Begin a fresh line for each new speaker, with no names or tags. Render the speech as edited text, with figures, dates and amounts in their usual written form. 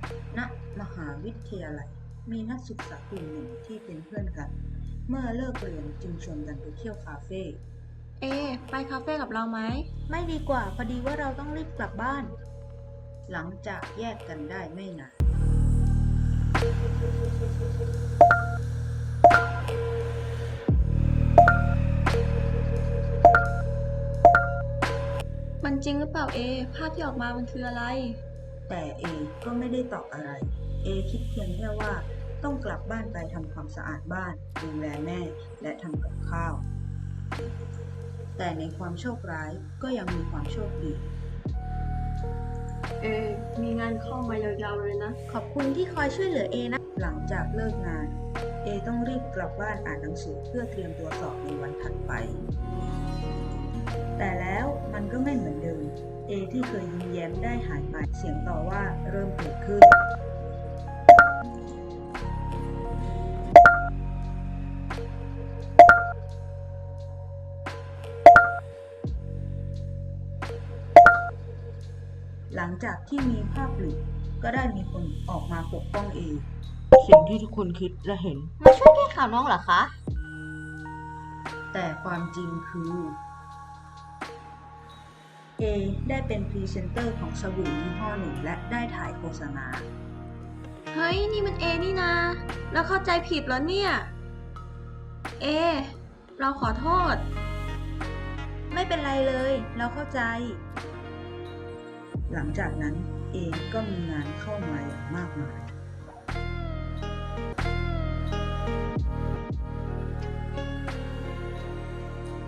ณมหาวิทยาลัยมีนักศึกษากลุ่มหนึ่งที่เป็นเพื่อนกัน เมื่อเลิกเรียนจึงชวนกันไปเที่ยวคาเฟ่
เอไปคาเฟ่กับเราไหม
ไม่ดีกว่าพอดีว่าเราต้องรีบกลับบ้าน หลังจากแยกกันได้ไม่นาน
มันจริงหรือเปล่าเอภาพที่ออกมามันคืออะไร
แต่เอก็ไม่ได้ตอบอะไร เอคิดเพียงแค่ว่าต้องกลับบ้านไปทำความสะอาดบ้านดูแลแม่และทำกับข้าว แต่ในความโชคร้ายก็ยังมีความโชคดี
เอมีงานเข้ามายาวๆเลยนะ
ขอบคุณที่คอยช่วยเหลือเอนะ หลังจากเลิกงาน เอต้องรีบกลับบ้านอ่านหนังสือเพื่อเตรียมตัวสอบในวันถัดไป แต่แล้วมันก็ไม่เหมือนเดิม เอที่เคยยิ้มแย้มได้หายไป เสียงต่อว่าเริ่มเกิดขึ้น หลังจากที่มีภาพหลุดก็ได้มีคนออกมาปกป้องเอ สิ่งที่ทุกคนคิดและเห็น
มาช่วยแก้ข่าวน้องเหรอคะ
แต่ความจริงคือ เอได้เป็นพรีเซนเตอร์ของสบู่ยี่ห้อหนึ่งและได้ถ่ายโฆษณา
เฮ้ยนี่มันเอนี่นาแล้วเข้าใจผิดแล้วเนี่ยเอเราขอโทษ
ไม่เป็นไรเลย เราเข้าใจ หลังจากนั้นเอก็มีงานเข้ามาอย่างมากมาย